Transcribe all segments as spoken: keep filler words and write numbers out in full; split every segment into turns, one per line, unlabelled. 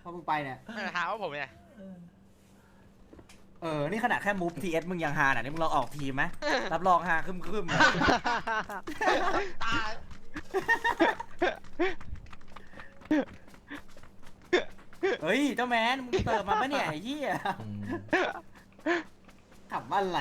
พอมึงไปเนี่ย
ไม่หาว่าผมเนี่ย
เออนี่ขนาดแค่มูฟทีเอสมึงยังฮาน่ะนี่มึงลองออกทีมไหมรับรองฮาคึมคึม
ตาย
เฮ้ยเจ้าแมนมึงเติมมาปะเนี่ยไอ้เหี้ยขับว่าอะไร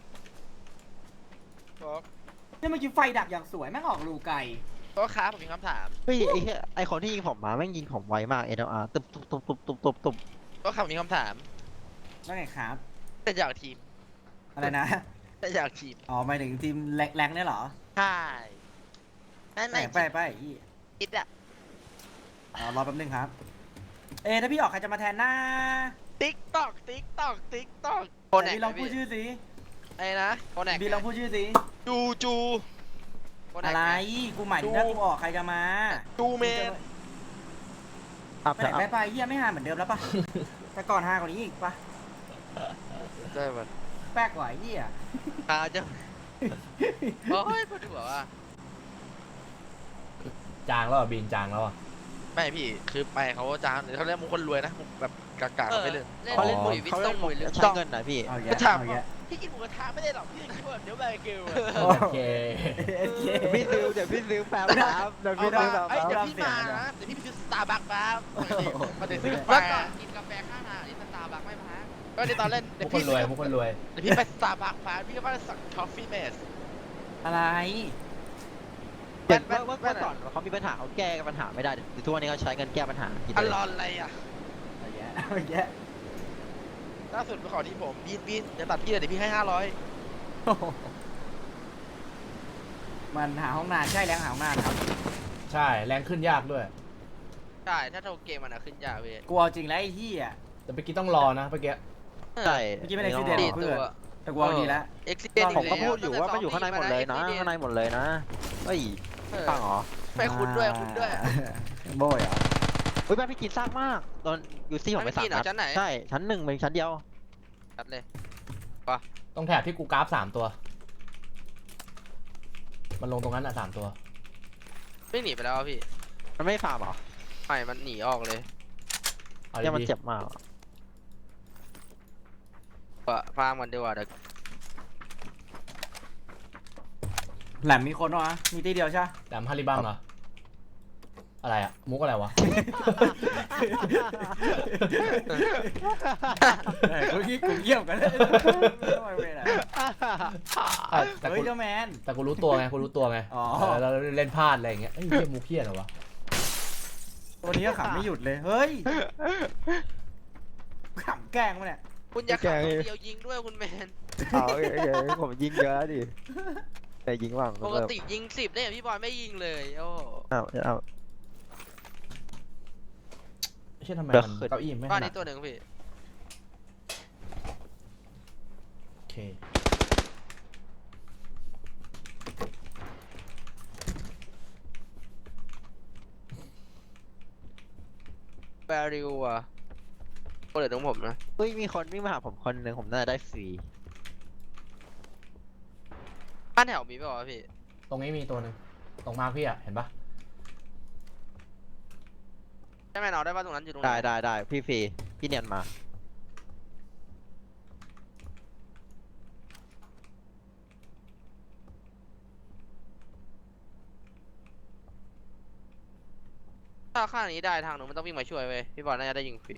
เนี่ยเมื่อกี้ไฟดับอย่างสวยแม่งออกรูไกล
ก็ค้าผมมีคำถาม
เฮ้ยไอ้เหี้ยไอ้คนที่ยิงผมมาแม่งยิงผมไวมาก เอ แอล อาร์ ตุบตุบตุบตุบตุบตุบตุบ
ก็ค้าผมมีคำถาม
ว่าไงครับ
แต่อยากทีม
อะไรนะ
แต่อยากทีม
อ๋อหมายถึงทีมแรงๆเนี่ยเหรอ
ใช่ไม่
ไป
ไม่
ไปไปไอ้เหี้ย
คิดอะ
อ๋อรอแป๊บนึงครับ เอะถ้าพี่ออกใครจะมาแทนหน้า
ติ๊กตอกติ๊กตอกติ๊กตอก
ไหนพี่ลองพูดชื่อสิ
ไอ้นะโคแนก
พี่ลองพูดชื่อสิ
จูจูโคแนก
อะไรกูหมายถึงถ้ากูออกใครจะมา
จูเมน
อัพ
ไปไหน
อัพ
ไปไปเหี้ยไม่ฮาเหมือนเดิมแล้วปะแต่ก่อนฮากว่านี้อีกปะ
ได้มัน
แป๊กกว่าไอ้เหี้ย
หาจะโอ้ยพูดถึงว่า
จางแล้วอ่ะบินจางแล้วอ่ะ
ไม่พี่คือไปเขาจางหรือเขาเรียกมุกคนรวยนะมุกแบบกากาไปเลย
เขาเล่นมุกเขาเล่นมุกใช้เงินหน่อยพี่
เอาแยะ
ก็ถาม
เอา
ว่า
แยะ
พี่กินหมูกระทะไม่ได้หรอกพี่คิดว่าเดี๋ยวแบเกล
โอเค
โอเค
พี่ซื้อเดี๋ยวพี่ซื้อแป๊บครับเดี๋ยว
เอา
พี่
มา
ซื้อแป๊บ
เอ้ย
ค
เดี๋ยว
รับ
พี่มานะเดี๋ยวพี่ไปซื้อสตาร์บัคมามาเดี๋ยวซื้อกาแฟ
แล้วก่อนกินกาแฟข้างทางนี่สตาร์บัคไม่พัก
ก็ในตอนเล่น
พ
เดี๋ยว ว
กคน
พี่
รวยพวกคนรวย
เดี๋ยวพี่ไปสตาร์บัคมาพี่ก็มาสั่งทอฟฟี่เมส
อะไร
เดี๋ยวเมื่อเมื่อก่อนเขามีปัญหาเขาแก้ปัญหาไม่ได้เดี๋ยวทุกวันนี้เขาใช้เงินแก้ปัญหาคิด
อัน
เลย
รอนอะไรอ่ะ
เอาแยะเอาแยะ
ล่าสุดไปขอที่ผมบีนบีนเดี๋ยวตัดพี่เลยเดี๋ยวพี่ให้ห้าร้อย
มันหาห้องนานใช่แล้วหาห้องนานครับ
ใช่แรงขึ้นยากด้วย
ใช่ถ้าโทรเกมมันอะขึ้นยากเว้ย
กลัวจริงแล้วไอ้เหี้ย
แต่เมื่อกี้ต้องรอนะเมื่อกี้
ใช่
เมื่อกี้ไม่ได้คิดเด็ด
ดี
เพื่
ตั
อน
ว
แต่กลัวดีแล้ว
เอ็กซิเดน
ผมก็พูดอยู่ว่ามันอยู่ข้างในหมดเลยนะข้างในหมดเลยนะเฮ้ยฟังเหรอ
ไปคุณด้วยคุณด้วย
โบยเหรอ
เฮ้ยแม่พี่กินซากมากตอนยูซี่ผมไปสาม
พี่กินเหร
นั
อ
ด
ชั้นไหน
ใช่ชั้นหนึ่งเป็นชั้นเดียว
ตัดเลย
ต้องแถบที่กูกราฟสามตัว มันลงตรงนั้นอ่ะสามตัว
ไม่หนีไปแล้วอะพี่
มันไม่ฟาร์มเหรอ
ไม่มันหนีออกเลย
เอา
เนี่ยมัน
ดี
เจ็บมาก
ปะฟาร์มกันดีกว่าเดี๋ยว
แหลมมีคนวะมีตีเดียวใช่ไหม
ๆแหลมฮาริบังเหรอ อะไรอ่ะ มุกอะไรวะ
กูกี้กูเยี่ยมกันเลยไม่เป็นไร
อ่ะแต่
เฮ้
กู
ยเจ้าแมน
แต่กูรู้ตัวไงกูรู้ตัวไง
อ๋อ
เออเราเล่นพลาดอะไรอย่างเงี้ยเอ้ยเหี้ยมุกเพี้ยนเหรอวะ
ตัวนี้ก็ขำไม่หยุดเลย เฮ้ยขำแกล้งมาเนี่ย
คุณอย่าขับคนเดียวยิงด้วยคุณแมน
เอาโอเคผมยิงเยอะดิแต่ยิงว่าง
ปกติยิงสิบเนี่ยพี่บอยไม่ยิงเลยโอ้
เอาเอา
เช่นทำไม
เดี๋ยว
มัน
ขึ้น
เก้าอี้ไม่
บ้าน
ขนา
นี้
ด
ตัวหนึ่งพี่
โอเค
แบริวอะคนเหลือตรงผมนะ
เฮ้ยมีคนวิ่งมาหาผมคนหนึ่งผมน่าจะได้ฟรี
บ้านแถวมีป่าวะพี่
ตรงนี้มีตัวหนึ่งตรงมาร์คพี่อ่ะเห็นปะ
ใช่ไหมเราได้ป่ะตรงนั้นอยู่ตรงไหน
ได้ได้ได้พี่ฟรีพี่เนียนมา
ถ้าข้างนี้ได้ทางหนูมันต้องวิ่งมาช่วยเว้ยพี่บอยน่าจะได้ยิงฟรี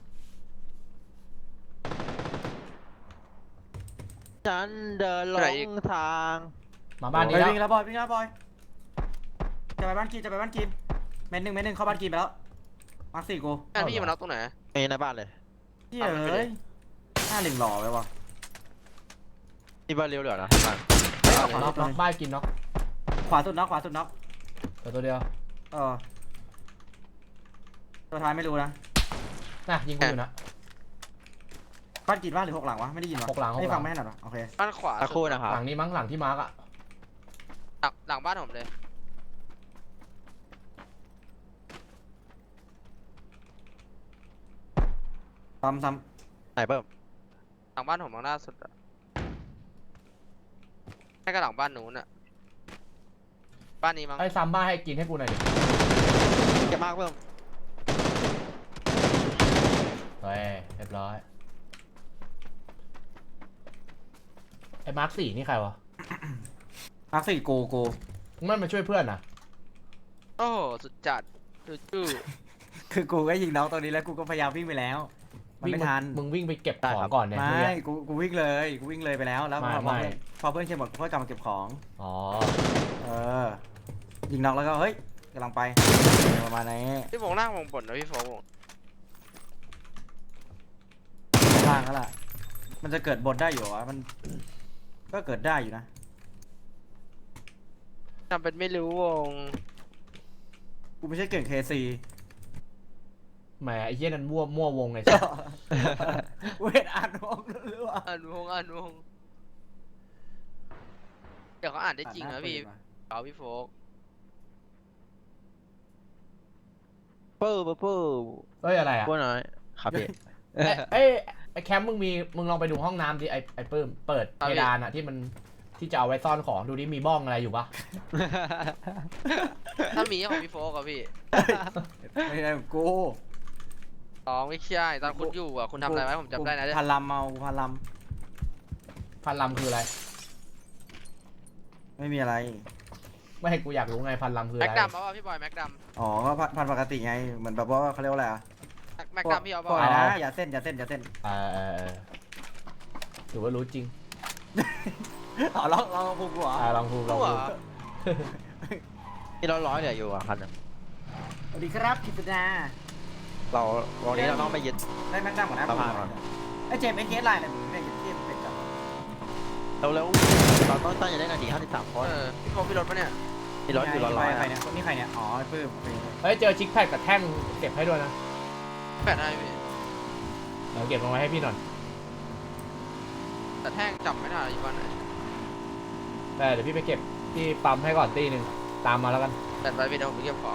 ฉันเดินหล
ไหนอีก
งทาง
มาบ้าน
ไป
นี้แล้ว
วิ่งแล้วบอยวิ่งแล้วบอยจะไปบ้านกินจะไปบ้านกินเมนหนึ่งเมนหนึ่งเข้าบ้านกินไปแล้วมาสี่กู
งานพี่มันน็อกตรงไหน
ไม่ในบ้านเลย
เฮ้ยเอ้ยหน้าเหลิงหล่อไปวะ
นี่บ้านเร็วเหลือนะบ้าน
น็อกน็อกบ้านกินน็อก
ขวาสุดน็อกขวาสุดน็อก
ตัวตัวเดียว
เออตัวท้ายไม่รู้นะ
น่ะยิงกูอยู่นะ
บ้านกินบ้านหรือหกหลังวะไม่ได้ยินวะ
หกหลังหกหลัง
ไม่ฟังไม่ถนัดวะโอเค
บ้านขวา
ตะคู่นะครับ
หลังนี้มั้งหลังที่มาร์กอ่ะ
หลังหลังบ้านผมเลย
ซ้ำซ้
ไหนเพิ่ม
หลังบ้านผมมองล่าสุดอะให้กับหลังบ้านหนูน่ะบ้านนี้มั้ง
ไอ้ซัมบ้าให้กินให้กูหน่อยดิ
เก็บมากเพิ่ม
เรียบร้อยไอ้มาร์คสี่นี่ใครวะ
มาร์คสี่กูกู
มึงไม่มาช่วยเพื่อนนะ
โอ้โหสุดจัดจูจู
คือกูก็ยิงน้องตัวนี้แล้วกูก็พยายามวิ่งไปแล้วมัน
วิ่ง
ไม่ทัน
มึงวิ่งไปเก็บของก่อนเนี่ย
ไม่
เมื่อกี้
กูกูวิ่งเลยกูวิ่งเลยไปแล้วแล้ว
ไม่
พอ
ไม่
พอเพื่อนเคลียร์หมดกูก็กลับมาเก็บของ
อ๋อ
เออยิงน้องแล้วก็เฮ้ยกำลังไปประมาณนี้
พี่โฟงล่างวงบนนะพี่โฟง
ล่างแล้วล่ะมันจะเกิดบนได้อยู่วะมันก็เกิดได้อยู่นะ
ทำเป็นไม่รู้วง
กูไม่ใช่เก่งเคซี
แหมไอ้เหี้ยนั่นมั่วมั่ววงไงใช่
เวทอ่านวงหรือว่า
อ่านวงอ่านวงเดี๋ยวเขาอ่านได้จริงนะพี่เอาพี่โฟก
เปิ้ลเปิ้ลเปิ้ล
เอ้ยอะไรอ่ะ
พวกน้อยครับพี่
ไอ้ไอ้ไอ้แคมป์มึงมีมึงลองไปดูห้องน้ำดิไอ้ไอ้ปื้มเปิดเพดานอ่ะที่มันที่จะเอาไว้ซ่อนของดูดิมีบ้องอะไรอยู่ปะ
ถ้ามีของพี่โฟกอะพี่
ไม่ใช่ของกู
สองไม่ใช่ตอนคุณอยู่อะคุณทำอะไรไว้ผมจำได้นะ
พันลำเมากูพันล
พันลำคืออะไร
ำไม่มีอะไร
ไม่ให้กูอยากรู้ไงพันลำคือ
แม็
อะ
ก
ไร
ดำเอาป่ะพี่บอยแม็กด
อ๋อก็พันพันปกติไงเหมือนแบบว่าเขาเรียกว่าอะไรอะ
ำแม็กดำพี่เอา
พวก
ป่ะ
อะไรนะอย่าเส้นอย่าเส้นอย่าเส้น
เออเออเออถือว่ารู้จริง
อ๋อลองลองพูดกูเหรอ
อ่าลองพูดลอง
ตัว
พูด
มีร้อยร้อยเหลืออยู่อ่ะคันหนึ่ง
สวัสดีครับกิตนา
เราวันนี้เราต้องไปยึด
ได้แม็กดัมก่อนนะ
สะพานก่อน
ไอ้เจมส์ไอ้เคสไลน์เนี่ยมึงได้ยินเทียบเป็นกับ
เราแล้วเราต้องตั้งใจได้นาทีห้าสิบสามคน
เออพี่โฟกมีรถปะเนี่ย
มีร้อยอยู่ร้อยร้อย
ใครเนี่ยนี่ใครเนี่ยอ๋อไอ้ปื้ม
เฮ้ยเจอชิคแพดกับแท่งเก็บให้ด้วยนะ
แปดได้พี่
เดี๋ยวเก็บลงไว้ให้พี่หน่อย
แต่แท่งจำไม่ได้อยู่บ้านไหน
แต่เดี๋ยวพี่ไปเก็บที่ปั๊มให้ก่อนตีหนึ่งตามมาแล้วกัน
แต่ไปพี่เดี๋ยวผมไปเก็บของ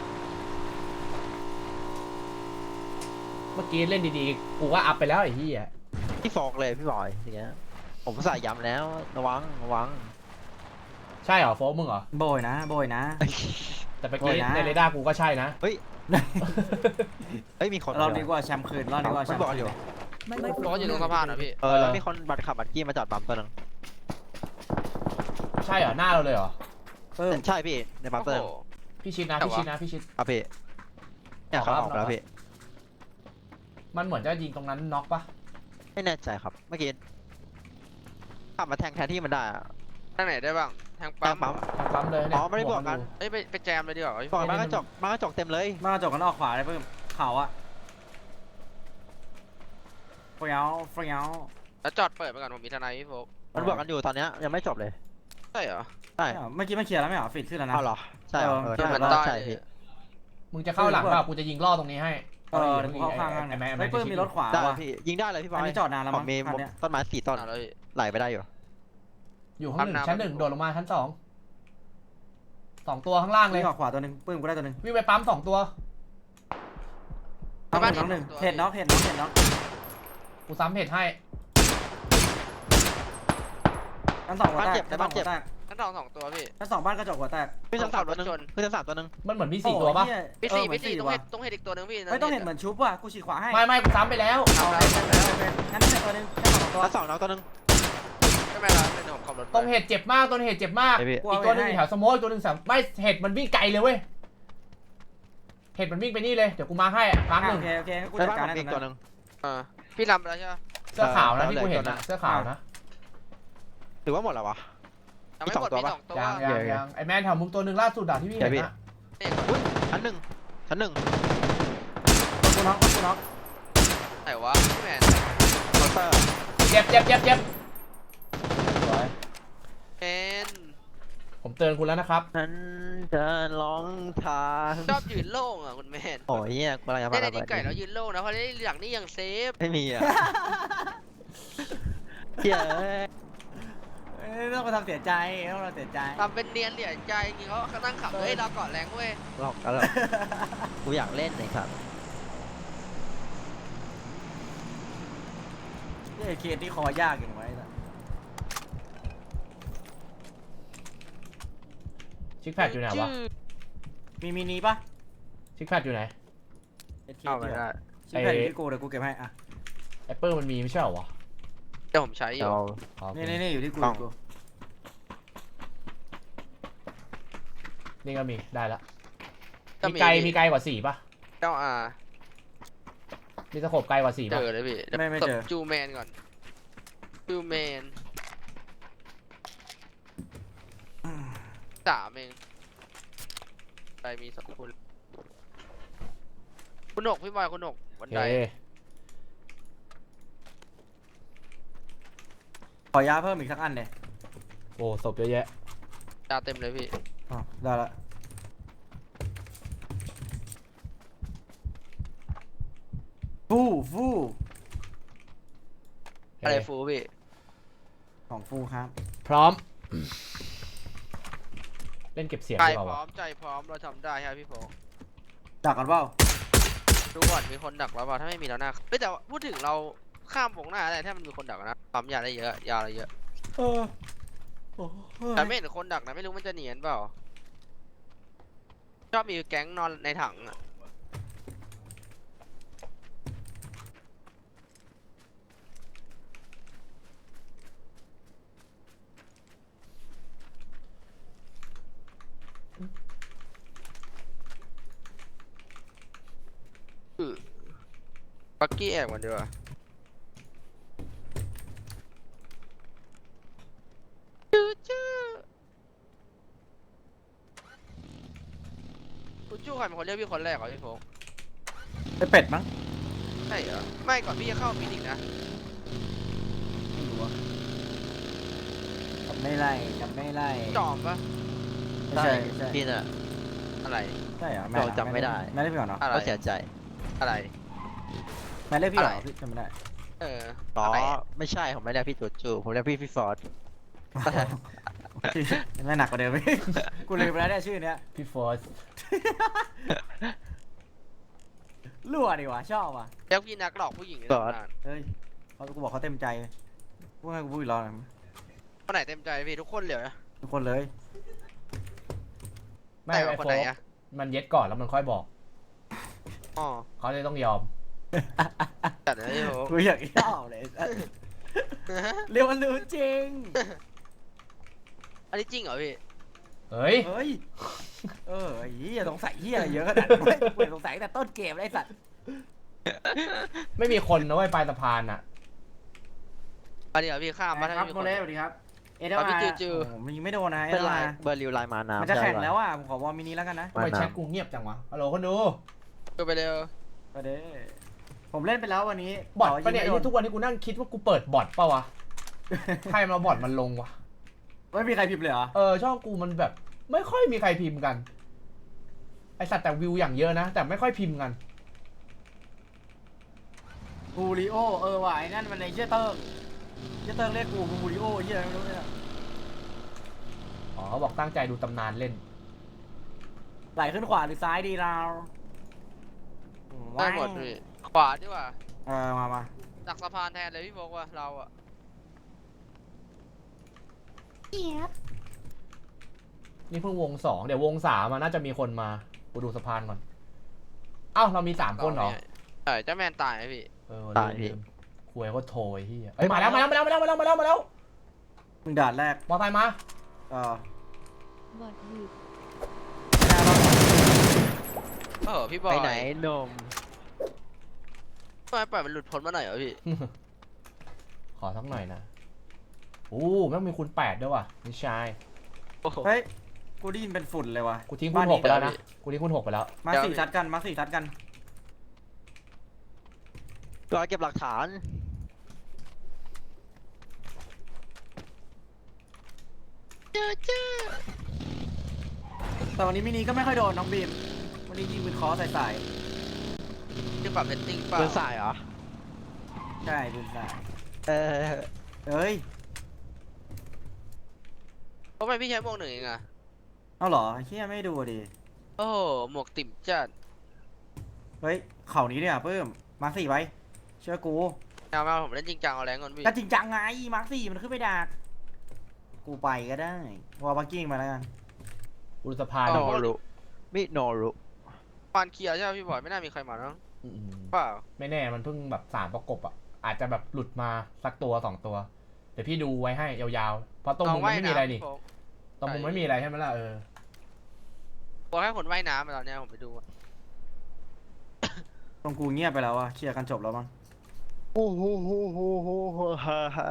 เมื่อกี้เล่นดีๆกูก็อัพไปแล้วไอ้ที่อ่ะ
พี่ฟอกเลยพี่บอยอย่างเงี้ยผมใส่ย้ำแล้วระวังระวัง
ใช่เหรอโฟกมึงเหรอ
โบยนะโบยนะ
แต่เมื่อกี้
โอ้ยนะ
ในเรดาร์กูก็ใช่นะ
เฮ้ยเฮ้ยมีคน
เราดีกว่าแชมป์คืนเราดีกว่าแช
ไม่
มป์
บอกอยู่
รถอยู่ตรงสะพานนะพี่
เออแล้วมีคนบัตรขับบัตรกี้มาจอดปั๊มตัวนึง
ใช่เหรอหน้าเราเลยเหรอ
ปื้ม
ใช่พี่ในปั๊ม
โอ้
ตัว
โห
นึง
พี่ชิดนะ
แต่
พี่
ว่า
ชิดนะพี่ชิด
ครับพี่เนี่ยเขาออกแล้วพี่
มันเหมือนจะยิงตรงนั้นน็อกปะ
ไม่แน่ใจครับเมื่อกี้ขับมาแทงแทนที่มันได้อะ
ทางไหนได้บ้างทาง
แท
ปั๊
ง
ม
ปั๊ม
ทางปั๊มเลยเนี่ย
อ๋อไม่ได้บวกกัน
เอ้ยไปไปแจมเลยดีกว่าพี่
บ
โฟ
อก
ก
มากระจกมากระจกเต็มเลย
มากระจกกันออกขวาเลยปื้มเขาอะเฟี้ยวเฟี้ยว
แล้วจอดเปิดไปก่อนผมมีทนายพี่โฟก
มันบวกกันอยู่ตอนเนี้ยยังไม่จบเลย
ใช่เหรอ
ใช่
เมื่อกี้มันเคลียร์แล้วไม่เหรอฟิตขึ้นแล้วนะ
เอาเหรอใช่เหรอเออ
เออ
ใช่
มัน
ว่า
ได้
ใช่พี่
มึงจะเข้าหลังเปล่ากูจะยิงล่อตรงนี้ให้
เออเดี๋ยวกูเข้าข้างข้าง
ไอ้แม่
ไอ้ปื้มมีรถขวา
ได้
ว่ะ
พี่ยิงได้เลยพี่บอ
อัน
ย
นี้จอดนานแล้ว
ผ
มั้
ม
ง
มี
คันเนี้ย
ต้นไม้สี่ต้น
เอาแล้วพี่
ไหลไปได้อยู่
อยู่ห้องหนึ่ง
ปั๊มน้ำ
ชั้นหนึ่งโดดลงมาชั้นสองสองตัวข้างล่างเล
เลย ยออกขวาตัวหนึ่งปื้มกูได้ตัวหนึ่ง
วิ่งไปปั๊มสองตัว
น้องหนึ่งน้องหนึ่งเห็ดน็อกเห็ดน็อกเห็ดน็อก
กูซ้ำเห็ดให้
ทั้งสองหัวแตกทั้งสองหัวแตก
ชั้นสองสองตัวพี่
ทั้งสองบ้านกระจกหัวแตก
ขึ้นชั้นสามตัวหนึง
รถชน
ขึ้นชั้นสามตัวหนึง
มันเหมือนมีสี่ตัวปะ
พี่
เออ
สี่
เหมือ
พี่
น
สี่
สี่
ต้อง
ว่ะ
เห็นต้องเห็นอีกตัวหนึงพี่
ไม่ต้องเห็นเหมือนชุบว่ะกูฉีกขวาให้
ไม่ไม่กูซ้ำไปแล้ว
เอาเลยงั้นนี่ตัวหนึ่งแค่สองตัว
ชั้นสองน้องตัวหนึง
ไม่เป็นไรเป็นผมขับรถ
ตรงเห็ดเจ็บมากตรงเห็ดเจ็บมาก
ไอพี่
อีกตัวหนึงอยู่แถวสโมออีกตัวหนึงสามไม่เห็ดมันวิ่งไกลเลยเว้ยเห็ดมันวิ่งไปนี่เลยเดี๋ยวกูมาให้มาร์คหนึ่
โอง เคโอเคกู
ใน
จัด
บ้าน
การ
ผม
ให้
มีอีก
ตั
ตัว ว
ห
ห
นึ่ง
นึง
เออพี่ทำแล้วใช่ไหม
เสื้อขาวนะ
เออ
ที่กูเห็น
เหลือ
นะ
ตัวนั้น
เสื้อขาวนะ
ถือว่าหมดแล้ววะ
ยังไม่หมด
มี
มี
ส
ส
อ
อง ง
ตั
ตัว ว
ยังยังยังไอแมนแถวมุมตัวหนึ่งล่าสุดอะที่พี่เห็นนะ
อุ้ยชั้นหนึ่งชั้นหนึ่ง
กูน็อกกูน็อก
ไหนวะพี่แมน
เคาน์เตอร์
เจ็บเจ็บเจ็บเจ็บสวย
เอ็น
ผมเตือนคุณแล้วนะครับ
ฉันจะลองทาง
ชอบยืนโล่งอ่ะคุณแมน
โอ้ยเนี่ยกูอะไรจะ
ได้
พา
ใน
ระ
ดี
เบิด
ไก่แล้วยืนโล่งนะเพราะได้หลังนี่ยังเซฟ
ไม่มีอ่ะเฮีย
ต้องมาทำเสียใจต้องมาเสียใจ
ทำเป็นเนียนเหลี่ยใจจริงเขาเขานั่งขับเฮ้ยเราเกาะแรงเว้ย
หลอกกันหรอกูอยากเล่นเลยครับ
นี่เคสที่คอยากอย่างไว้
ชิคแพดอยู่ไหนวะ
มีมินิปะ
ชิคแพดอยู่ไหน
เคส
เอาไม่ได้
ชิคแพดที่กูเดี๋ยวกูเก็บให้อ่ะ
ไอ้ปื้มมันมีไม่ใช่เหรอวะ
เดี๋ยวผมใช้อยู่
เดี๋ยว
อ๋อโอเค
นี่นี่นี่อยู่ที่กู
ต้อง
อยู่กู
นี่ก็มีได้ละ
ก็
มีไกลมีไกลกว่าสี่ปะ
เจ้าอา
มีสโคปไกลกว่าสี่
เจ
ปะ
อเลยพี่ดี๋ยว
ไม่ไม่เจอ
จูแมนก่อนจูแมนสามเองไปมีสองคนคุณหนกพี่บอยคุณหนกบัน
โอเค
ได
ขอยาเพิ่มอีกสักอันเลย
โอ้ศพเยอะแยะ
ดาวเต็มเลยพี่
อ๋อได้ละฟู่ฟู่
โอเค
อะไรฟูพี่
ของฟูครับ
พร้อม เล่นเก็บเสียง
ใจ
ดีกว่า
พร้อ
วะ
มใจพร้อมเราทำได้ครับพี่โฟง
ดักกันเปล่า
ดูก่อนมีคนดักแล้วเปล่าถ้าไม่มีแล้วนะเฮ้ยแต่ว่าพูดถึงเราข้ามวงหน้าได้ถ้ามันมีคนดักนะปั๊มยาได้เยอะยาอะไรเยอะ
เออโอ้ย
แต่ไม่เห็นคนดักนะไม่รู้มันจะเนียนเปล่าชอบมีแก๊งนอนในถังอะ ปักกี้แอบกันดีกว่าจูจูจูจูใครเป็นคนเรียกพี่คนแรกเหรอพี่โฟก
ไอเป็ดมั้ง
ใช่เหรอ ไม่ก่อนพี่จะเข้ามินิกนะ
ไม่รู้อะจำไม่ไล่จำไม่ไล่
จอมปะ
ไม่ใช่ไม่ใช่
พี่น่ะ
อะไร
ใช่เหรอ
เราจำไม่ได้
ไม่ได้พี่ก่อนเนาะ
อะไร
ก็เสียใจ
อะไร
ไม่ได้พี่เหรอ
อะไร
พี่จำไม่ได้
เออ
อ๋อ
อะไรอะ
ไม่ใช่ผมไม่เรียกพี่จูจูผมเรียกพี่พี่ฟอร์ด
ไม่หนักกว่าเดิมอีกกูลืมไปแล้วเนี่ยชื่อเนี้ย
พี่ฟอร์ส
รั่วดีว่ะชอบว่ะ
เรียกพี่นักหลอกผู้หญิงใน
ฟอร์ด
ตำนาน
เฮ้ยเขากูบอกเขาเต็มใจพูดให้กูพูดอีกรอบหนึ่ง
คนไหนเต็มใจพี่ทุกคนเหลียวนะ
ทุกคนเลย
ไม่
แต่
ไอ้
ว่าคน
โฟ
ไหน
ก
อะ
มันเย็ดก่อนแล้วมันค่อยบอก
อ๋อ
เขาเลยต้องยอม
จัดเลยพี่โฟก
กูอยากชอบเลยเรียกมันรู้จริง
อันนี้จริงเหรอพี่
เฮ้ย
เฮ้ยเออไอ้เหี้ยสงสัยเหี้ยอะไรเยอะขนาดนั้นเว้ยกูสงสัยตั้งแต่ต้นเกมเลยไอ้สัตว์
ไม่มีคนนะเว้ยปลายสะพานอ่ะ
อันนี้เหรอพี่ข้ามมาถ้า
ครับ
ไม่มี
โม
คน
เลสวัสดีครับเอเด
ครับพี่
มา
จือจือ
โอ้โหมันยิงไม่โดนนะเอ
เป็
เด
นไล
มา
น์เบอร์ริวไลน์มาน้ำ
มันจะแข่ง
ใช่ป
แล้วอ่ะผมขอวอร์มินิแล้วกันนะ
ทำไม
มา
แชทกูเงียบจังวะฮัลโหลคนดู
ดูไปเร็ว
ไปเด้ผมเล่นไปแล้ววันนี้
บอท
ต่
ปะเนี่ย
ง
ไอ้
ไม่
ที่
โด
ทุกวันนี้กูนั่งคิดว่ากูเปิดบอทเปล่าวะ ใครมาบอทมันลงวะ
ไม่มีใครพิมพ์เลยเหรอ
เออช่องกูมันแบบ ไม่ค่อยมีใครพิมพ์กัน ไอสัตว์แต่วิวอย่างเยอะนะ แต่ไม่ค่อยพิมพ์กัน
บูริโอเออว่ะไอ้นั่นมันในเชี่ยเติ้งเชี่ยเติ้งเรียกกูบูริโอเชี่ยอะไรไม่รู้เนี่ย
อ๋อเขาบอกตั้งใจดูตำนานเล่น
ไหลขึ้นขวาหรือซ้ายดีเรา
ได้หมดพี่ขวาดีกว่า
เออมามา
ดักสะพานแทนเลยพี่โฟกว่าเราอะ
นี่เพิ่งวงสองเดี๋ยววงสามอะน่าจะมีคนมากูดูสะพานก่อนอ้าวเรามีสามคนเหรอ
ใช่เจ้าแมนตายไหมพี่
เออ
ตายพี่
ลืมคุยก็โทรไอ้เหี้ยเอ้ยมาแล้วมาแล้วมาแล้วมาแล้วมาแล้วมาแล้วมาแล้ว
มึงด่านแรก
มอไซค์มา
เออบ
อดหยุด
เออพี่บอ
ไป
ย
ไหนนม
ทำไมปล่อยมันหลุดพ้นมาหน่อยเหรอพี่
ขอสักหน่อยนะโอ้แม่งมีคูณแปดด้วยว่ะนี่ชาย
โอ้โห
เฮ้ยกูได้ยินเป็นฝุ่นเลยว่ะ
กูทิ้งคูณหกไปแล้วนะกูทิ้งคูณหกไปแล้ว
มา
เดี๋ยว
สี่ทัดกันมาสี่ทัดกัน
รอเก็บหลักฐาน
แต่วันนี้มินิก็ไม่ค่อยโดนน้องบีมวันนี้ยิงมือคอใส่ใส่
ที่ปรับเรตติ้งเปล่า
เดินสายเหรอ
ใช่ปืนใส่
เออ
เอ้ย
ทำไมพี่ใช้หมวกหนึ่งเองอะ
เอาเหรอเฮียไม่ดูดิ
โอ้โหหมวกติ่มจัด
เฮ้ยเข่านี้เนี่ยเพิ่มมาสี่ไว้เชื่อกู
เอามาผมเล่นจริงจังเอาแรงก่อนพี่
ก็จริงจังไงมาสี่มันขึ้นไปดักกูไปก็ได้วอลบักกิ้งมาแล้วกัน
กูดูสะพาน
โน
ก่อน
รุมิโนรุ
ปานเคลียร์ใช่ไหมพี่บอยไม่น่ามีใครมาแล้ว
อืม
เปล่า
ไม่แน่มันเพิ่งแบบสามประกบอ่ะอาจจะแบบหลุดมาสักตัวสองตัวเดี๋ยวพี่ดูไว้ให้ยาวๆเพราะตรงมุมมันไม่มีอะไรนี่
พี่โฟก
ตรงมุมไม่มีอะไรใช่ไหมล่ะเออ
บอกให้คนว่ายน้ำมาตอนเนี้ยผมไปดูอะ
ตรงกูเงียบไปแล้วอะเคลียร์กันจบแล้วมั้ง
โอ้โหโหโหโหโหฮ่าฮ่า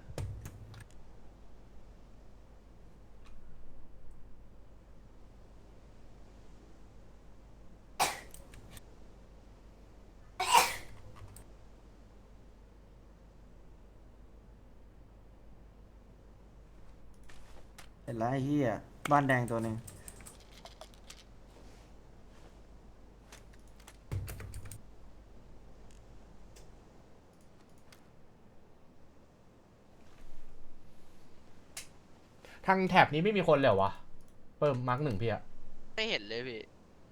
เห็นแล้วไอ้เหี้ยบ้านแดงตัวหนึ่ง
ทางแถบนี้ไม่มีคนเลยเหรอวะเพิ่มมาร์กหนึ่งพี่อะ
ไม่เห็นเลยพี่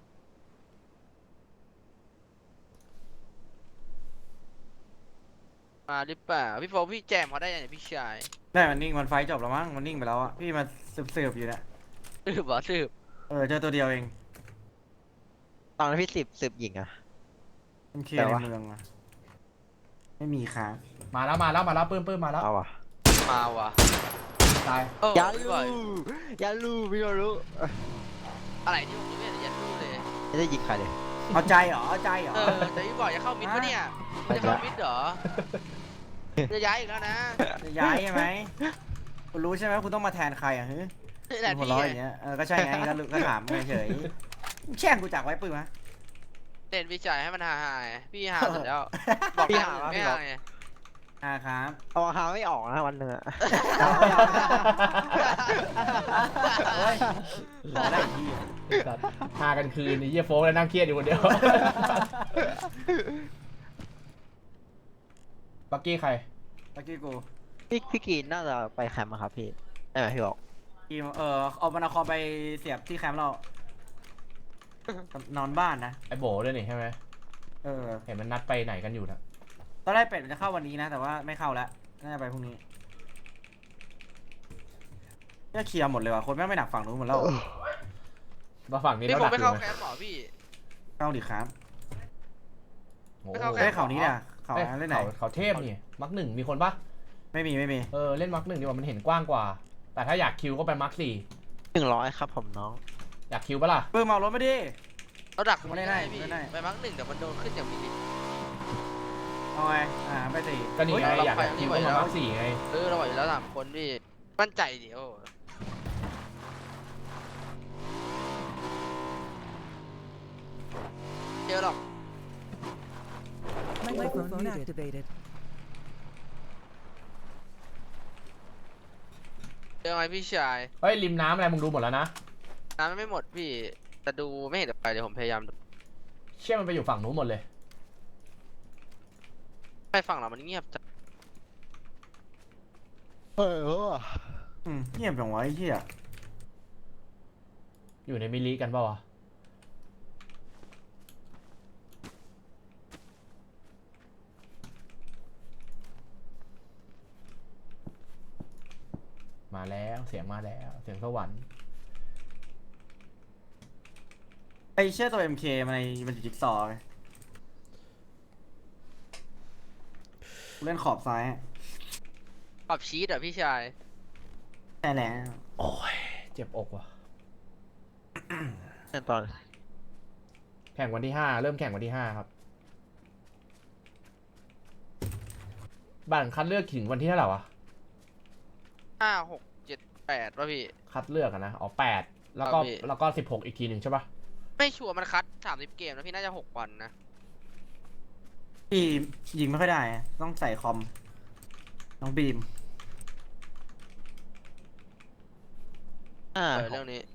มาหรือเปล่าพี่โฟกพี่แจมเขาได้ยังไงพี่ชาย
ได้มันนิ่งมันไฟจบแล้วมั้งมันนิ่งไปแล้วอะพี่มาสืบๆอยู่เนี่ย
สืบเหรอสืบ
เออเจอตัวเดียวเอง
ตอนนั้นพี่สิบสิบหญิงอะ
มันเคลียร์
แต่
ใน
ว่า
เมืองอะไม่มีค้าง
มาแล้วมาแล้วมาแล้วเพิ่มเพิ่มมาแล้ว
เอาอะ
มาว่ะ
ตาย
เออ
อย่า
พี่
ลู
บอย
อย่าลูพี่ก็รู้
อะไรที่ผมไม่เห็นยันรู้เลย
ไม่ได้ยิงใครเลย
เอาใจเหรอเอาใจเหรอ
เออแต่พี่บอยจะเข้ามิดปะเนี่ยจะเข้ามิดเหรอจะย้ายอีกแล้วนะ
จะย้ายใช่ไหมคุณรู้ใช่ไหมคุณต้องมาแทนใครอ่ะฮึ
นี่แหละ
คุณหัว
พี่
เร้อยอย่างเงี้ยเออก็ใช่ไงก็รู้ก็ถามเฉยๆแช่งกูจากไว้ปืนมะ
เล่นพี่ชายให้มันหาหายพี่หาเสร็จแล้วบอก
พี่
พี่
หา
หา
ว่า
ไม่
พี่
หา
บอก
ไง
อ่าครับ
เอาหาไม่ออกนะวันหนึ่งอะ
เฮ้ยรอได้อีกทีอะ
สัตว์พากันคืนนี่เยี่ยโฟกแล้วนั่งเครียดอยู่คนเดียวบักกี้ใคร
เมื่อกี้กู
พี่พี่กีนน่าจะไปแคมป์อะครับพี่ได้ไหมพี่บอก
ทีมเออเอาบรรณาคอมไปเสียบที่แคมป์เรานอนบ้านนะ
ไอ้โบด้วยนี่ใช่ไหม
เออ
เห็นมันนัดไปไหนกันอยู่นะ
ตอนแรกเป็ดมันจะเข้าวันนี้นะ แต่ว่าไม่เข้าแล้วน่าจะไปพรุ่งนี้ก็เคลียร์หมดเลยว่ะคนแม่งไม่หนักฝั่งนู้นหมดแล้ว
มาฝั่งนี้
พี่
แล้ว
ผม
ดัก
ไม่
อยู่
เข้า
ไหม
แคมป์หรอพี่
เข้าดิครับ
โอ้
ไม่
โห
เข้าแค
เฮ้
ม
ย
ป์
เขานี้เนี่ยเขา
เอ้ย
อันเล่นไหน
เขาเขาเทพนี่มักหนึ่งมีคนปะ
ไม่มีไม่มี
เออเล่นมักหนึ่งดีกว่ามันเห็นกว้างกว่า แต่ถ้าอยากคิวก็ไปมักสี่
หนึ่งร้อยครับผมน้อง
อยากคิวปะล่ะ
ปืนเมารถมาดิ
เราดัก
ไม่ได้ได้
พี่
ไม่ได้
ไปมั้งหนึ่งแต่มันโดนขึ้นอย่างมีลิต
เอาไงอ่าไปสี่
ก็นี่ไง
เฮ้ย
อยาก
เราไป
อยากคิว
นี่
ก็
ไหว
มา
แล้ว
มักสี่ไง
เออเราไหวอยู่แล้วสามคนพี่มั่นใจเดี๋ยวเจอหรอก
Microphone activated.
เจอไหมพี่ชาย
เฮ้ยริมน้ำอะไรมึงดูหมดแล้วนะ
น้ำมันไม่หมดพี่แต่ดูไม่เห็นไปเดี๋ยวผมพยายามดู
เชื่อมันไปอยู่ฝั่งนู้นหมดเลย
ไปฝั่งเรามันเงียบจัง
เออ
อืมเงียบจังวะไอ้เหี้ย
อยู่ในมิลลิกันเปล่าวะมาแล้วเสียงมาแล้วเสียงสวรรค์
ไอ้เชื่อตัว เอ็ม เค มันในมันอยู่จิ๊กซอว์ไงกูเล่นขอบซ้ายอะ
ขอบชีสเหรอพี่ชาย
ใช่แล้ว
โอ้ยเจ็บอกว่ะ
ขั้นตอน
แข่งวันที่ห้าเริ่มแข่งวันที่ห้าครับบัตรคัดเลือกถึงวันที่เท่าไหร่วะ
ห้าหกเจ็ดแปดป่ะพี่
คัดเลือกอะนะอ๋อแปดแล้วก็
ครับพี่
แล้วก็สิบหกอีกทีหนึ่งใช่ปะ
ไม่ชัวร์มันคัดสามสิบเกมแล้วพี่น่าจะหกวันนะ
พี่ยิงไม่ค่อยได้อะต้องใส่คอมน้องบีม
อ่า
เออเรื่องนี้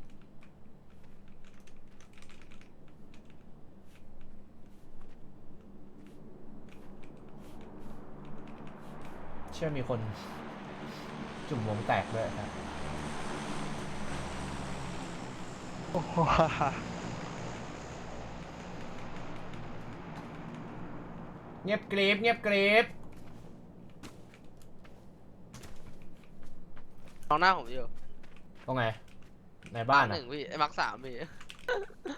เชื่อมีคนจุ่มวงแตกด้วยครับ
โอ้โห
เงียบกรีบเงียบกรีบ
น้องหน้าผมอยู่
ตรงไหนในบ้าน
ห
อะ
นึ่งพี่ไอ้มักสามพี่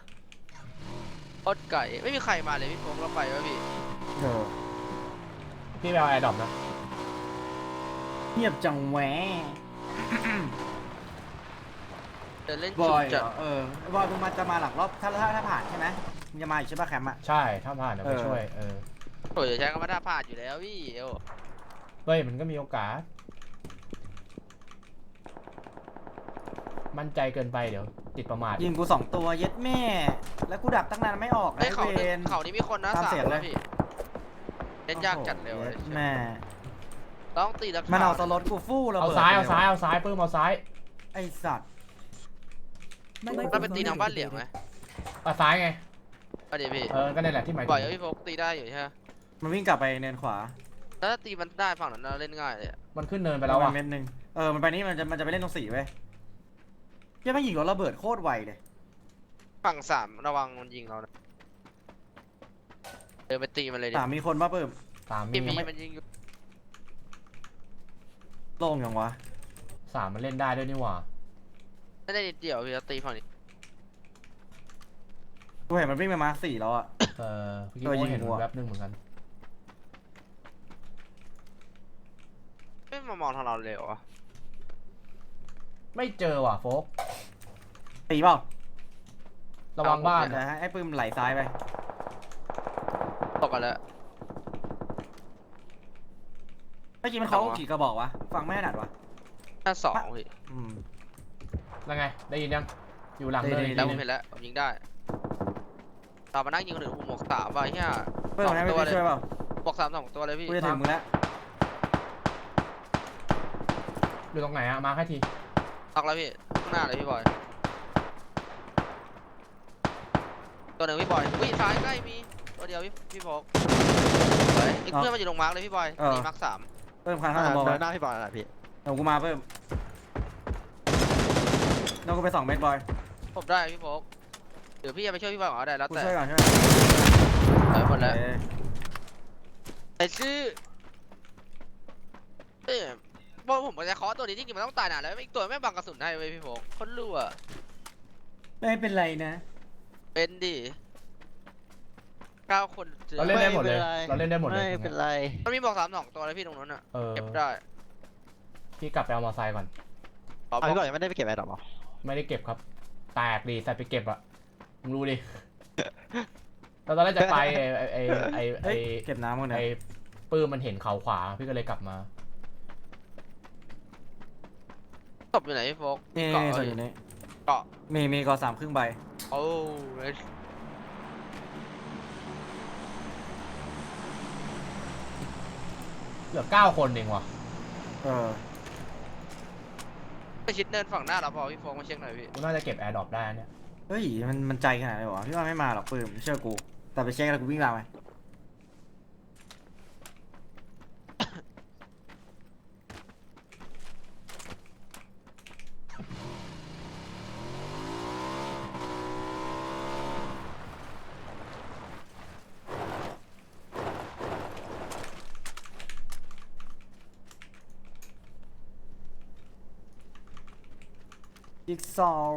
โคตรไก่ไม่มีใครมาเลยพี่โฟกเราไปวะพี่
เออ
พี่ไปเอาแอร์ดรอปนะ
เงียบจังแหวะ
เดินเล่น
บ
จุ
อย
ด
เหร
จัด
อเออบอยมึงมาจะมาหลักรอบถ้าถ้าถ้าผ่านใช่ไหมมึงจะมาอีกใช่ป่ะแคมป์อ่ะ
ใช่ถ้าผ่านเดี๋ยวไป
เออ
ช่วยเออ
โอ้ยใช้คำว่าท่าพลาดอยู่แล้วพี่เอว
เฮ้ยมันก็มีโอกาส มั่นใจเกินไปเดี๋ยวติดประมาท
ยิงกูสองตัวเย็ดแม่ แล้วกูดักตั้งนานไม่ออก
ไอ้
นะ
เขา
เว
หนึ่ง
น
เขานี่มีคนนะ
ตาม
สาม
เสียงเลย
นะพี่เล่นยากจัดเร็ว
โอ้
เล
โห
ย
เย็ดแม่
ต้องตีแล้ว
มันเอาสล็อตกูฟู่ระ
เอา
เบิด
ซ้ายเอา
ล
ซ้ายเอาซ้ายปื้มเอาซ้าย
ไอสัตว์
เราเป็นตีทางบ้านเหลี่ยมไหม
เอาซ้ายไง
เอาเดี๋ยวพี่
เออก็นี่นแหละที่หมายถึ
บ่อย
ง
แล้วพี่โฟกตีได้อยู่ใช่ไหม
มันวิ่งกลับไปเนินขวา
แล้วถ้าตีมันได้ฝั่งนั้นเราเล่นง่ายเลยอะ
มันขึ้นเนินไปแล้ว
ประ
อ่ะ
มาณเม็ดหนึงเออมันไปนี่มันจะมันจะไปเล่นตรงสี่เว้ยเหี้ยังไม่ยิงรถระเบิดโคตรไวเลย
ฝั่งสามระวังมันยิงเรานะเดินไปตีมันเลยดิ
สามมีคนมาเพิ่ม
สามมี
พี่มี
ยังไม่
มันยิงอยู่
โล่งยังวะ
สามมันเล่นได้ด้วยนี่หว่า
ไม่ได้นิดเดียวพี่แล้วตีฝั่งนี้
กูเห็นมันวิ่งไปมาสี่แล้วอ่ะ
เออพี่
ตัวยิ
โม
ง
เห็น
หัว
แวบนึงเหมือนกัน
ไม่มามองทางเราเลยเหรอ
ไม่เจอว่ะโฟก
ตีเปล่า
ระวังบ้าน
เดี๋ยว
นะ
ให้ไอ้ปืนไหลซ้ายไป
ตกกันแล้ว
เมื่อกี้มันเขากี่กระบอกวะฟังไม่ถนัดวะ
หน้าสองพี่
อืม
แล้วไงได้ยินยังอยู่หลังเนิน
ได้
อีก
แล้ว
ที
ผม
นึง
เห็นแล้วผมยิงได้เรามานั่งยิงคนอื่นกูหมวกสามไปเฮีย
เพิ่มให้ไม่พี่ช่วยเปล่า
หมวกสามสองตัวเลยพี่
กูจะถึงมึงแล้ว
อยู่ตรงไหนอะมาแค่ที
ตอกแล้วพี่ข้างหน้าเลยพี่บอยตัวหนึ่งพี่บอยอุ้ยซ้ายใกล้มีตัวเดียวพี่พี่โฟกเฮ้ยอีกเพื่อนมันอยู่ตรงมาร์กเลยพี่บอยนี่มาร์กสาม
เพิ่มคันข้างสมอง
เดิ
ไว้
นหน้าพี่บอลนะพี่
เดี๋ยวกูมาเพิ่มเดี๋ยวกูไปสองเมตรบอย
ผมได้พี่โฟกเดี๋ยวพี่จะไปช่วยพี่บอยก่อนก็ได้แล้ว
กู
แต่
ช่วยก่อนช่วย
เออหมดแล้ว
เออ
ไอ้ชื่อเอ้ยบอกผมจะเคาะตัวนี้จริงๆมันต้องตายนานแล้วอีกตัวไม่บังกระสุนให้เว้ยพี่โฟกคนรั่ว
ไม่เป็นไรนะ
เป็นดิเก้าคนเจอ
เราเล่นได้หมดเลย
ไม่เป็นไร
เราเล่นได้หมดเลย
ไม่เป็นไร
มันมีบอกสามสองตัวเลยพี่ตรงนั้นอ่ะ
เออ
เก็บได้
พี่กลับไปเอามอเตอร์ไซค์ก่อน
ขอ
เอา
บอ
พี่
ก
บอลยังไม่ได้ไปเก็บแอร์ดรอปหรอ
ไม่ได้เก็บครับ แตกดีใส่ไปเก็บอะมึงรู้ดิเราตอนแรกจะไปไอไอไอไอ
เฮ้ยเก็บน้ำมึง
ไอ
เนี่ย
ปื้มมันเห็นเขาขวาพี่ก็เลยกลับมา
ศพอยู่ไหนพี่โฟก
นี่
เกาะ
นี่
เหร
ส่
อ
วนอยู่นี่
เกาะ
มีมีกอสามครึ่งใบ
โอ้ย
เหลือเก้าคนเองว่ะ
เออ
ไปชิดเนินฝั่งหน้าเราพอพี่โฟกมาเช็คหน่อยพี่
กูน่าจะเก็บแอร์ดรอปได้เนี่ย
เฮ้ยมันมันใจขนาดไหนวะพี่ว่าไม่มาหรอกปืนเชื่อกู แต่ไปเช็คแล้วกูวิ่งตามไป จิ๊กซอว์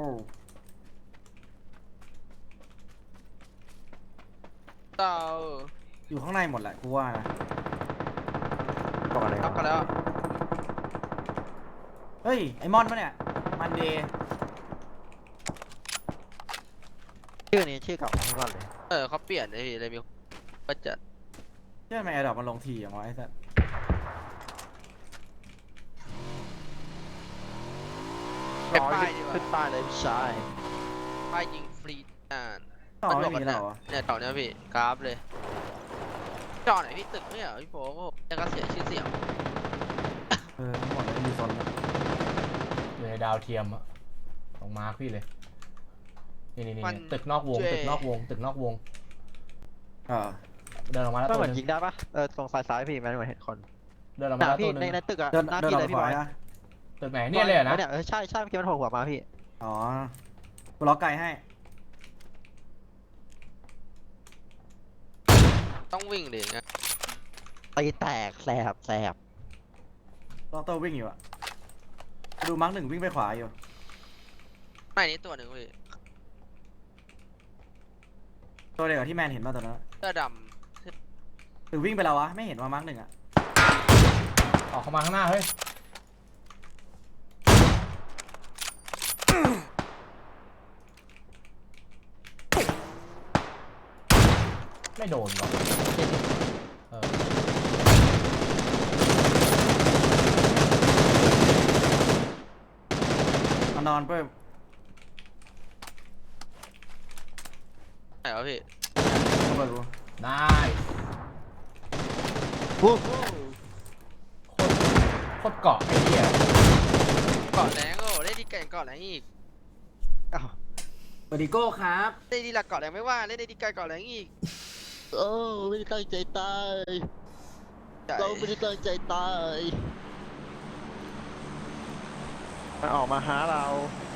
เต่า
อยู่ข้างในหมดแหละกูว่านะ
บอกเลย
ทับกันแล้ว
เฮ้ย ไอมอนปะเนี่ย มันเดย์
ชื่อนี้ชื่อเก่าของพี่บอลเลย
เออเขาเปลี่ยนเลยพี่เลยมีก็จะ
เชื่อไหมไอดอกมันลงทีอย่างวะไอ้สัส
เป็นป้ายดีกว่า
ขึ้นป้ายเลยพี่ชาย
ป้ายยิงฟรีอ่าน
ต่อไม่มีแล้วเหรอ
เนี่ยต่อเนี้ยพี่กราฟเลยจอไหนพี่ตึกไม่เหรอพี่โฟกแล้วก็เสียชื่อเสียง
เออทั้งหมดเลยมีโซนแล้ว
อยู่ในดาวเทียมอะตรงมาร์คพี่เลย นี่นี่นี่ตึกนอกวง ตึกนอกวง ตึกนอกวง
เออ
เดินออกมาแล้ว
ก็
ตั
เห
ว
มือน
หนึ
ยิ
ง
งได้ปะเออตรงซ้ายซ้ายพี่มันเหมือนเห็นคน
เดินออก
ห
มา
น้า
แล้ว
พี่
ตัวหนึ
ใน
ง
ในตึกอะ
เดิน
หน้า
เดิน
พี่
อ
เล
อย ก
พี่
ข
บ
วา
อย
นะ
ตึกไหนเนี่ยเลยเหรอนะ
เนี่ยเออใช่ใช่เมื่อกี้มันโผล่หัวมาพี่
อ๋อ กูล็อกไกลให้
ต้องวิ่งดิเงี้ย
ตีแตกแสบแสบ
ล็อกตัววิ่งอยู่อะดูมาร์กหนึ่งวิ่งไปขวาอยู่
ไม่นี่ตัวหนึ่งพี่
ตัวเดียวกับที่แมนเห็นป่ะตอนนั้น
เสื้อด
หรือวิ่งไปแล้ววะ ไม่เห็นว่ามาร์กหนึ่งอะ
ำ
ออกเข้ามาข้างหน้าเฮ้ยไม่โดนหรอกเออ
มานอนเพิ่ม
ไหนวะพี่
เข้าไปกู
ได้
โอ้โห
โคตรเกาะไอ้เหี้ย
เกาะแรงโอ้เล่นดีเก่งเกาะแรงอีก
อ้าว
สวัสดีโก้ครับ
เล่นดีหลักเกาะแรงไม่ว่าเล่นได้ดีไกลเกาะแรงอีก
โอ้ไม่ได้ตั้งใจตาย
ใช่
เราไม่ได้ตั้งใจตายมันออกมาหาเรา
ใ